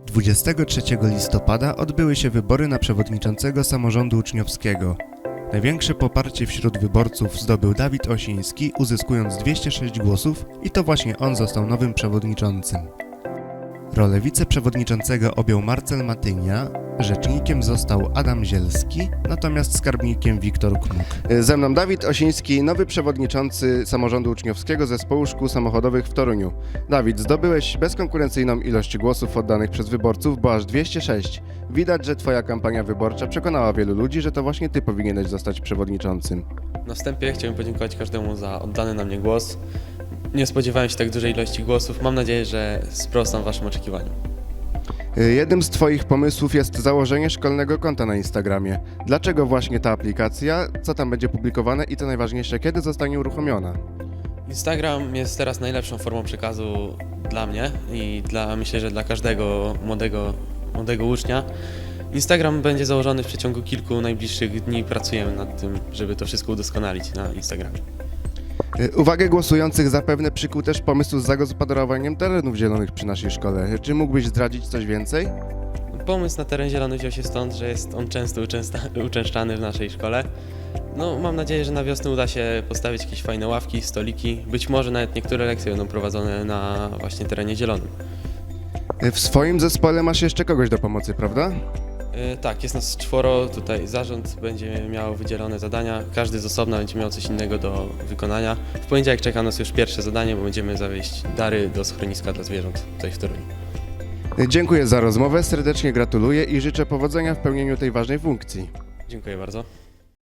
23 listopada odbyły się wybory na przewodniczącego samorządu uczniowskiego. Największe poparcie wśród wyborców zdobył Dawid Osiński, uzyskując 206 głosów i to właśnie on został nowym przewodniczącym. Rolę wiceprzewodniczącego objął Marcel Matynia, rzecznikiem został Adam Zielski, natomiast skarbnikiem Wiktor Knuk. Ze mną Dawid Osiński, nowy przewodniczący samorządu uczniowskiego Zespołu Szkół Samochodowych w Toruniu. Dawid, zdobyłeś bezkonkurencyjną ilość głosów oddanych przez wyborców, bo aż 206. Widać, że twoja kampania wyborcza przekonała wielu ludzi, że to właśnie ty powinieneś zostać przewodniczącym. Na wstępie chciałbym podziękować każdemu za oddany na mnie głos. Nie spodziewałem się tak dużej ilości głosów. Mam nadzieję, że sprostam waszym oczekiwaniom. Jednym z twoich pomysłów jest założenie szkolnego konta na Instagramie. Dlaczego właśnie ta aplikacja? Co tam będzie publikowane i co najważniejsze, kiedy zostanie uruchomiona? Instagram jest teraz najlepszą formą przekazu dla mnie i myślę, że dla każdego młodego ucznia. Instagram będzie założony w przeciągu kilku najbliższych dni. Pracujemy nad tym, żeby to wszystko udoskonalić na Instagramie. Uwagę głosujących zapewne przykuł też pomysł z zagospodarowaniem terenów zielonych przy naszej szkole. Czy mógłbyś zdradzić coś więcej? Pomysł na teren zielony wziął się stąd, że jest on często uczęszczany w naszej szkole. Mam nadzieję, że na wiosnę uda się postawić jakieś fajne ławki, stoliki. Być może nawet niektóre lekcje będą prowadzone na właśnie terenie zielonym. W swoim zespole masz jeszcze kogoś do pomocy, prawda? Tak, jest nas 4, tutaj zarząd będzie miał wydzielone zadania, każdy z osobna będzie miał coś innego do wykonania. W poniedziałek czeka nas już pierwsze zadanie, bo będziemy zawieźć dary do schroniska dla zwierząt tutaj w Toruniu. Dziękuję za rozmowę, serdecznie gratuluję i życzę powodzenia w pełnieniu tej ważnej funkcji. Dziękuję bardzo.